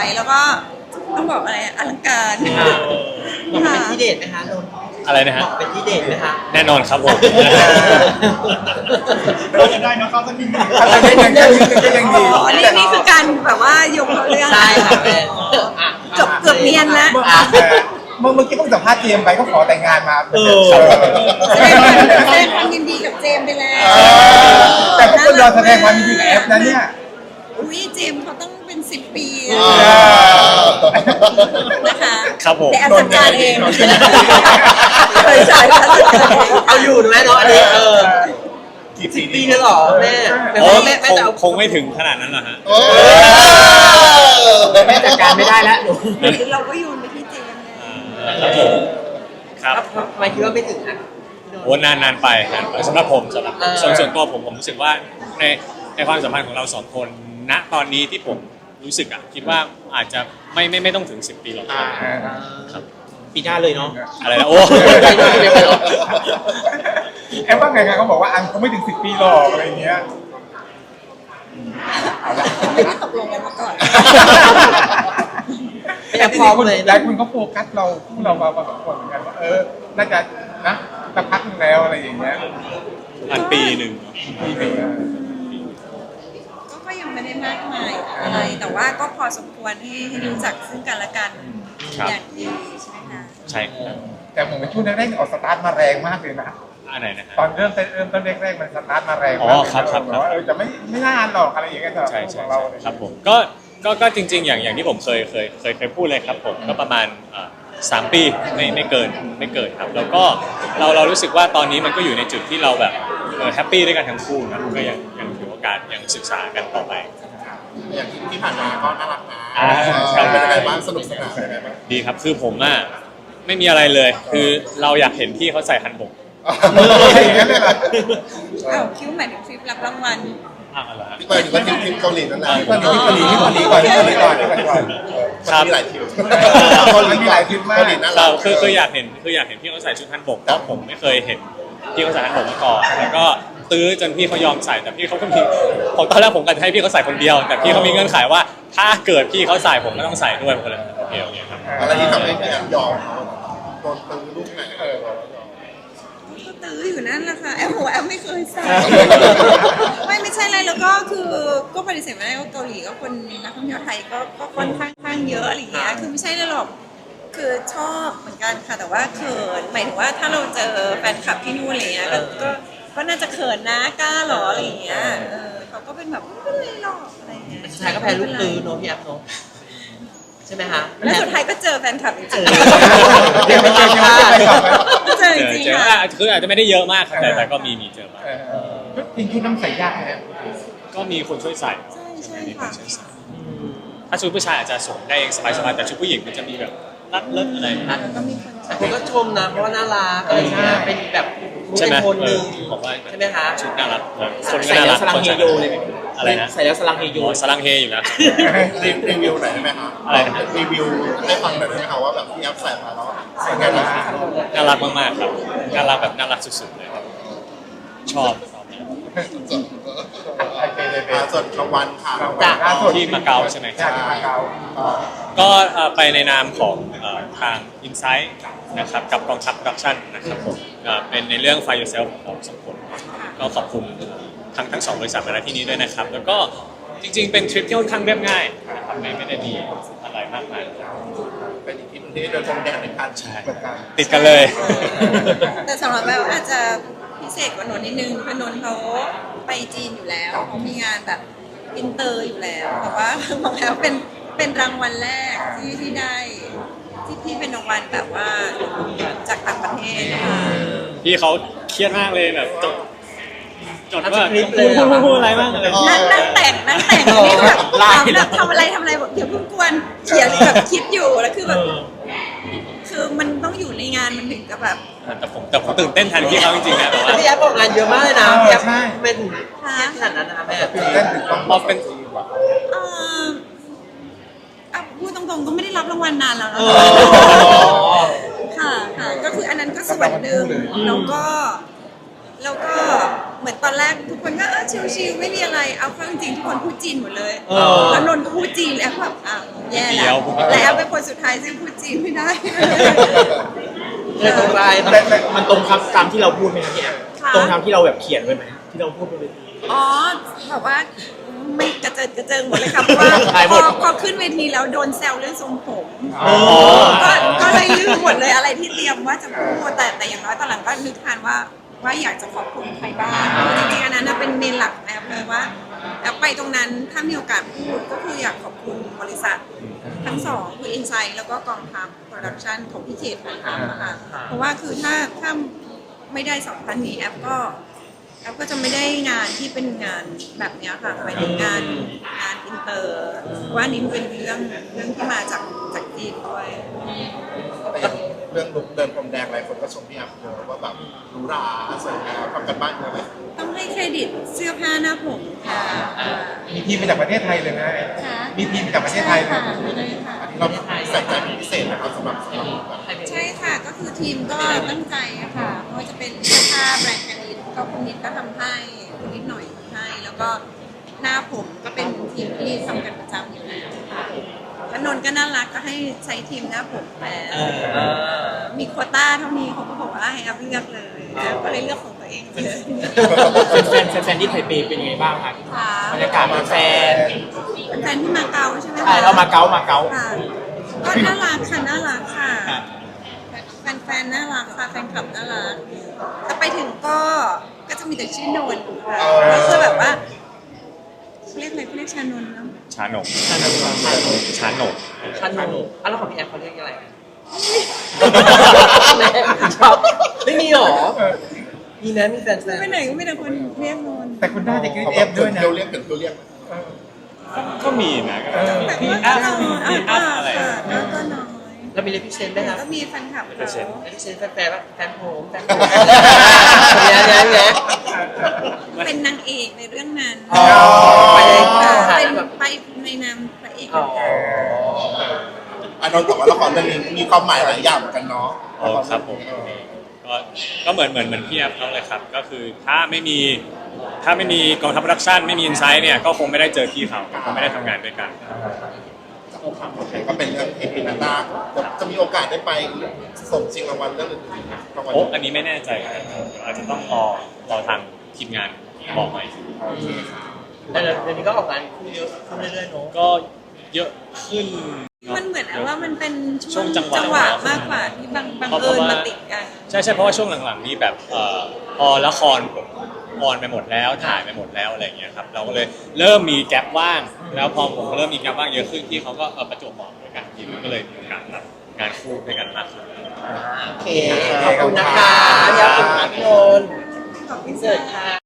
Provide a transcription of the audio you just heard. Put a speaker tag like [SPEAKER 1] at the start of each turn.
[SPEAKER 1] แล้วก็ต้องบอกอะไรอลังการ
[SPEAKER 2] บอกเป็นที่เด็ดไหมคะนนท์
[SPEAKER 3] อะไรนะฮะ
[SPEAKER 2] บอกเป็นที่เด็ดไหมคะ
[SPEAKER 3] แน่นอนครับผม
[SPEAKER 4] เราจะได้นะเขาสักนิดนึง
[SPEAKER 5] อะไรได้ยังก็ยังดี
[SPEAKER 1] นี่คือการแบบว่ายกเรื่อง
[SPEAKER 2] ใช่ค่ะแม่อ่ะ
[SPEAKER 1] เกือบเนียนแล้ว
[SPEAKER 5] เมื่อกี้เพิ่งสัมภาษณ์เจมส์ไปก็ขอแต่งงานมา
[SPEAKER 1] แสดงความยินดีกับเจมส์ไปแล้ว
[SPEAKER 5] แต่ทุกคนรอแสดงความยินดีกับแอฟนะเนี่ย
[SPEAKER 1] อุ้ยเจมส์เขาต้องเป็น10 ปีนะคะ
[SPEAKER 3] ครับผม
[SPEAKER 1] แต่แอปจัดการเองใช่
[SPEAKER 2] เอาอยู่นะแม่เนาะอันนี้
[SPEAKER 4] กี่
[SPEAKER 2] 10 ปี
[SPEAKER 4] ปี
[SPEAKER 2] เลยเหรอแม่แม่
[SPEAKER 3] โอ้
[SPEAKER 2] แม่แม่จะเอา
[SPEAKER 3] คงไม่ถึงขนาดนั้นหรอกฮะ
[SPEAKER 2] แม่จัดการไม่ได้แล้วหนู
[SPEAKER 1] เราก็โยนไปที่เจมส์เลย
[SPEAKER 3] ครับผมครับ
[SPEAKER 2] ทำไมคิดว่าไม่ถึงนะ
[SPEAKER 3] โอ้นานไปสำหรับผมสำหรับ
[SPEAKER 2] เออ
[SPEAKER 3] ส่วนตัวผมรู้สึกว่าในความสัมพันธ์ของเราสองคนณตอนนี้ที่ผมรู้สึกคิดว่าอาจจะไม่ต้องถึง10 ปีหรอกครับ
[SPEAKER 2] ปีหน้าเลยเนาะ
[SPEAKER 3] อะไรนะโอ้
[SPEAKER 5] แอฟว่าไงครับเขาบอกว่าอันเขาไม่ถึง10 ปีหรอกอะไรเงี้ย
[SPEAKER 1] ไม่ได้ตกลงกันมาก่อน
[SPEAKER 2] แอบพร้อมเลย
[SPEAKER 5] หลายคนเขาโฟกัสเราพวกเรามาพอสมควรเหมือนกันว่าน่าจะนะสักพักนึงแล้วอะไรอย่างเงี้ย
[SPEAKER 3] อันปีหนึ่ง
[SPEAKER 5] ปีหนึ่ง
[SPEAKER 1] ก็ยังไม่ได้มากมายอะไร แต่ว่าก็พอสมควรให้รู้จักซึ่งกันและกันอย่างดีใช่ไหมคะ
[SPEAKER 3] ใช่ครับ
[SPEAKER 5] แต่ผมเป็นช่วงแรกๆออกสตาร์ทมาแรงมากเลยนะ
[SPEAKER 3] อันไหนนะฮะ
[SPEAKER 5] ตอนเริ่มต้นแรกๆมันสตาร์ทมาแรงมาก
[SPEAKER 3] อ๋อครับ
[SPEAKER 5] ว่าจะไม่น่าหรอกอะไรอย่างเงี้ยสำหรับ
[SPEAKER 3] ใช่
[SPEAKER 5] ของเรา
[SPEAKER 3] ครับผมก็จริงๆอย่างที่ผมเคยพูดเลยครับผมก็ประมาณ3 ปีไม่เกินครับแล้วก็เรารู้สึกว่าตอนนี้มันก็อยู่ในจุดที่เราแบบแฮปปี้ด้วยกันทั้งคู่นะก็ยังถือโอกาสยังศึกษากันต่อไป
[SPEAKER 4] อย่างที่ผ่านมาก็น่ารักนะ
[SPEAKER 3] ครับ
[SPEAKER 4] เป็นยังไงบ้างสนุกสนานยังไงบ้าง
[SPEAKER 3] ดีครับคือผมไม่มีอะไรเลย คือเราอยากเห็นพี่เขาใส่ฮันบก
[SPEAKER 5] อย่างนั้นเลยเหรอ
[SPEAKER 1] อ้าวคิ้วหมายถึงทริปรับรางวัล
[SPEAKER 3] อะไรฮะ
[SPEAKER 4] ที่ไปถึงว่าทริปเกาหลีนั่นแหละ
[SPEAKER 5] ที่เกาหลีก่อนที่เกาหลีก่อน
[SPEAKER 3] ครับ
[SPEAKER 4] มีหลายทริป
[SPEAKER 5] มันมีหลายทริปมาก
[SPEAKER 4] เกาหลีน่า
[SPEAKER 3] เรา
[SPEAKER 4] รัก
[SPEAKER 3] คืออยากเห็นพี่เขาใส่ชุดฮันบกเพราะผมไม่เคยเห็นพี่เขาใส่ฮันบกมาก่อนแล้วก็ตื้อจนพี่เขายอมใส่แต่พี่เขาก็มีผมตอนแรกผมก็จะให้พี่เขาใส่คนเดียว แต่พี่เขามีเงื่อนไขว่าถ้าเกิดพี่เขาใส่ผมก็ต้องใส่ด้วยผมก็เลยโอเคครับ
[SPEAKER 4] อะไรที่ทำให้พี่แอมยอมเขาโดนตื้อลูกไหน
[SPEAKER 1] ก็ตื้ออยู่นั่นแหละค่ะแอปหัวแอปไม่เคยใส่ไม่ใช่อะไรแล้วก็คือก็ปฏิเสธไม่ได้ว่าเกาหลีก็คนนักท่องเที่ยวไทยก็ค่อนข้างเยอะอะไรอย่างเงี้ยคือไม่ใช่เลยหรอกคือชอบเหมือนกันค่ะแต่ว่าเขินหมายถึงว่าถ้าเราเจอแฟนคลับที่นู่นอะไรเงี้ยก็น่าจะเขินนะกล้าหรออะไรอย่างเงี้ยเขาก็เป็นแบบไม่เป็นไรหรอกอะไรเงี้ย
[SPEAKER 2] สุดท้ายก็แพ้ลูกตื้อเนาะพี่แอฟเนาะใช่ไหมคะ
[SPEAKER 1] แล้วสุดท้ายก็เจอแฟนคลับจริง
[SPEAKER 5] เดี๋ยวไปเจอกันไปก่อน
[SPEAKER 1] ๆเจอจริงๆค่ะ
[SPEAKER 3] คืออาจจะไม่ได้เยอะมากครับแต่ก็มีเจอบ้าง
[SPEAKER 5] จริงชุดน้ำใส่ยากนะ
[SPEAKER 3] ก็มีคนช่วยใส่
[SPEAKER 1] ใช่
[SPEAKER 3] มีค
[SPEAKER 1] ค่ะ
[SPEAKER 3] นช่วยใส่ถ้าชุดผู้ชายอาจจะสวมได้เองสบายๆแต่ชุดผู้หญิงมันจะมีแบบรัดเลิศอะไร
[SPEAKER 1] ก็มีคน
[SPEAKER 2] แต่คนก็ชมนะเพราะว่าน่ารักอะไรอย่างเงี้ยเป็นแบบมุก
[SPEAKER 3] ใช่
[SPEAKER 2] เป็
[SPEAKER 3] ไหม
[SPEAKER 2] นคนหนึ่ง
[SPEAKER 3] บอกว่า
[SPEAKER 2] ใช่ไหมคะ
[SPEAKER 3] ชุดน่ารักคนก็
[SPEAKER 2] ใส่
[SPEAKER 3] น่า
[SPEAKER 2] แล้
[SPEAKER 3] รั
[SPEAKER 2] ว
[SPEAKER 3] ก
[SPEAKER 2] สลังเฮโยเลยไหม
[SPEAKER 3] อะไรนะ
[SPEAKER 2] ใส่แล้วสลังเฮโย
[SPEAKER 3] โอ้สลังเฮอยู่นะ
[SPEAKER 4] รีวิวหน่อยได้ไหมคะ
[SPEAKER 3] อะไรนะ
[SPEAKER 4] รีวิวให้ฟังหน่อยได้ไหมคะว่าแบบพี่แอมใส่มาแล้วใส่ไงบ้าง
[SPEAKER 3] น่ารักมากๆครับน่ารักแบบน่ารักสุดๆเลยครับชอบ
[SPEAKER 4] ส่วนรางวัลค่ะ
[SPEAKER 3] ที่มาเก๊าใช่ไหมค
[SPEAKER 5] จา
[SPEAKER 3] รับ
[SPEAKER 5] กมาเก๊า
[SPEAKER 3] ก็ไปในนามของทาง Insight นะครับกับกองทัพโปรดักชั่นนะครับผมเป็นในเรื่อง Fire Yourself ของเราสองคนก็ขอบคุณทั้งสองบริษัทมาณที่นี้ด้วยนะครับ แล้วก็จริงๆเป็นทริปที่ค่อนข้างเรียบง่ายนะครับไม่ได้มีอะไรมากมาย
[SPEAKER 4] เป็นอีกทีนึงที่เดินพรมแดงในการ
[SPEAKER 3] ใช่ติดกันเลย
[SPEAKER 1] แต่สำหรับแบบอาจจะพิเศษกว่านนท์นิดนึงคือนนท์เขาไปจีนอยู่แล้วเขามีงานแบบอินเตอร์อยู่แล้ว แต่ว่าบอกแล้วเป็นรางวัลแรกที่ได้ที่เป็นรางวัลแบบว่าจากต่างประเทศค่ะ
[SPEAKER 3] พี่เขาเครียดมากเลยแบบจดว่า
[SPEAKER 2] ทำสคริปต์เลยเหรอ
[SPEAKER 3] พูดอะไรบ้างอะไร
[SPEAKER 1] นั่งแต่งนี่แบบถามแบบทำอะไรบอกเดี๋ยวเพิ่งกวนเขียนแบบคิดอยู่แล้วคือแบบคือมันต้องอยู่ในงานมันถึงกับแบบ
[SPEAKER 3] แต่ผมตื่นเต้นแทนพี่เขาจริงๆนะแต่ว่า
[SPEAKER 2] พี่แอฟออกงานเยอะมากเลยนะพี่แอฟเป็นเครียดขนาดนั้นนะคะแม่
[SPEAKER 5] ตื่นเต้นถึงต้อง
[SPEAKER 3] พอเป็น
[SPEAKER 1] เอ่อพูดตรงๆก็ไม่ได้รับรางวัลนานแล้วนะค่ะก็คืออันนั้นก็ส่วนหนึ่งแล้วก็เหมือนตอนแรกทุกคนก็ชิวๆไม่มีอะไรเอาเข้าจริงๆทุกคนพูดจีนหมดเลย
[SPEAKER 3] เออ
[SPEAKER 1] แล้วนนท์ก็พูดจีนแล้วแบบแย่
[SPEAKER 3] เดี๋
[SPEAKER 1] แล้
[SPEAKER 3] ยว ว
[SPEAKER 1] แล้วเป็นคนสุดท้ายซึ่งพูดจีนไม่ได้
[SPEAKER 2] เลยตรงไป
[SPEAKER 6] มันตรงครับตามที่เราพูดไหมครับพี่แอฟ
[SPEAKER 1] ค่ะ
[SPEAKER 6] ตรงตามที่เราแบบเขียนไว้ไหมที่เราพูดบนเวที
[SPEAKER 1] อ๋อแบบว่าไม่กระเจิงหมดเลยค่ะเพราะว่า
[SPEAKER 6] หายหมด
[SPEAKER 1] พอขึ้นเวทีแล้วโดนแซวเรื่องทรงผม
[SPEAKER 6] อ๋อ
[SPEAKER 1] ก็เลยลืมหมดเลยอะไรที่เตรียมว่าจะพูดแต่อย่างน้อยตอนหลังก็นึกทานว่าอยากจะขอบคุณใครบ้างจริงๆอันนั้นนะเป็นเมนหลักแอปเลยว่าแอปไปตรงนั้นถ้ามีโอกาสพูดก็คืออยากขอบคุณบริษัททั้งสองคือ Insight แล้วก็กองทัพโปรดักชันของพี่เขตนะคะเพราะว่าคือถ้าไม่ได้สองท่านนี้แอปก็จะไม่ได้งานที่เป็นงานแบบเนี้ยค่ะหมายถึงงานอินเตอร์ว่านี่เป็นเรื่องที่มาจากจีนด้วย
[SPEAKER 4] แต่อย่างเรื่องลุกเดินพรมแดงหลายคนก็ชมพี่แอฟเยอะว่าแบบหรูหราสวยงามทำกันบ้านเยอะไหม
[SPEAKER 1] ต้องให้เครดิตเสื้อผ้าหน้าผมค่ะ
[SPEAKER 5] มีทีมมาจากประเทศไทยเลยนะ
[SPEAKER 1] ค่ะ
[SPEAKER 5] มีทีมมาจากประเทศไทยเลย
[SPEAKER 1] ค่ะใช่ค่ะ
[SPEAKER 4] เราใส่ใจเป็นพิเศษนะครับสำหรับแบบ
[SPEAKER 1] ใช่ค่ะก็คือทีมก็ตั้งใจอะค่ะไม่ว่าจะเป็นเสื้อผ้าแบรนด์กันนิดก็คุณนิดก็ทำให้คุณนิดหน่อยทำให้แล้วก็หน้าผมก็เป็นทีมที่ทำกันประจำอยู่แล้วค่ะแล้วนนท์ก็น่ารักก็ให้ใช้ทีมหน้าผมแปลมีโควต้าเท่านี้เขาก็บอกว่าให้อัพเลือกเลยแล้วก็เลยเลือกของตัวเองเลย
[SPEAKER 6] แฟนที่ไทเปเป็นยังไงบ้างครับ
[SPEAKER 1] ค่ะ
[SPEAKER 6] บรรยากาศแฟน
[SPEAKER 1] แฟนที่มาเก๊าใช่ไหมคะ
[SPEAKER 6] ใช่เรามาเก๊า
[SPEAKER 1] ค่ะก็น่ารักค่ะน่ารักค่ะแฟนน่ารักค่ะแฟนคลับน่ารักถ้าไปถึงก็จะมีแต่ชื่อนนท์ค่ะก็คือแบบว่าเขาเรียกอะไรเขาเรียกชานนท์เนาะ
[SPEAKER 3] ชาหนก
[SPEAKER 2] ชาโน
[SPEAKER 3] ชาหนก
[SPEAKER 2] ชาโนแล้วของพี่แอฟเขาเรียกอะไรชอบไม่มีหรอมีนะมีแฟน
[SPEAKER 1] ไปไหนก็มีแต่คนเรียกนนท์
[SPEAKER 5] แต่คุณน่าจะกรี๊ด
[SPEAKER 4] เขา
[SPEAKER 5] เอ
[SPEAKER 4] แบบ
[SPEAKER 5] ฟด้วยนะ
[SPEAKER 4] เรียกถึงเรียก
[SPEAKER 3] ก็มีนะ
[SPEAKER 1] แต่
[SPEAKER 3] พี่
[SPEAKER 1] ก็
[SPEAKER 3] อัพ
[SPEAKER 1] น้อย
[SPEAKER 3] พี่อัพอะไร
[SPEAKER 1] ค่ะก็น้อย
[SPEAKER 2] แล้วมีเลพิเชนด้วยครับ
[SPEAKER 1] ก็มีแฟนคลับ
[SPEAKER 3] เปอร์เซ็นต์
[SPEAKER 1] เขา
[SPEAKER 2] เลพิเชนแฟนแฟนผมเนี่ย
[SPEAKER 1] เป็นนางเอกในเรื่องนั้น
[SPEAKER 2] ไปเลย
[SPEAKER 1] ค่ะ
[SPEAKER 2] ค่ะ
[SPEAKER 1] เป็น
[SPEAKER 2] แบบ
[SPEAKER 1] ไปในนามพระเอก
[SPEAKER 2] อ๋อ
[SPEAKER 4] อันนนท์แต่ว่าละครเรื่องนี้มีความหมายหลายอย่างเหมือนกันเนาะ
[SPEAKER 3] โอ้ครับผมก็เหมือนพี่แอฟเขาเลยครับก็คือถ้าไม่มีกองทัพโปรดักชั่นไม่มีอินไซต์เนี่ยก็คงไม่ได้เจอพี่เขาคงไม่ได้ทำงานด้วยกัน
[SPEAKER 4] ก็เป็นเรื่องที่ปีหน้าจะมีโอกาสได้ไปส่งชิงรางวัลเรื่องอื่นๆนะรางวัล
[SPEAKER 3] โอ้อันนี้ไม่แน่ใจครับเดี๋ยวอาจจะต้องรอทางทีมงานบอกหน่อย
[SPEAKER 2] แต่เดี๋ยวนี้ก็ออกงานคู่เยอะขึ้นเรื่อยๆเนาะ
[SPEAKER 3] ก็เยอะขึ้น
[SPEAKER 1] มันเหมือนว่ามันเป็น
[SPEAKER 3] ช่วงจังหวะ
[SPEAKER 1] มากกว่าที่บังเอิญมาติดกัน
[SPEAKER 3] ใช่เพราะว่าช่วงหลังๆนี้แบบพอละครออนไปหมดแล้วถ่ายไปหมดแล้วอะไรอย่างเงี้ยครับเราก็เลยเริ่มมีแกลบว่าง แล้วพอผมเริ่มมีแกลบว่างเยอะขึ้นที่เขาก็ประจวบเหมาะด้วยกันทีมันก็เลยมีโอกาสรับงานคู่ด้วยกันมากขึ้น
[SPEAKER 2] โอเคขอบคุณนะคะที่ขอบคุณ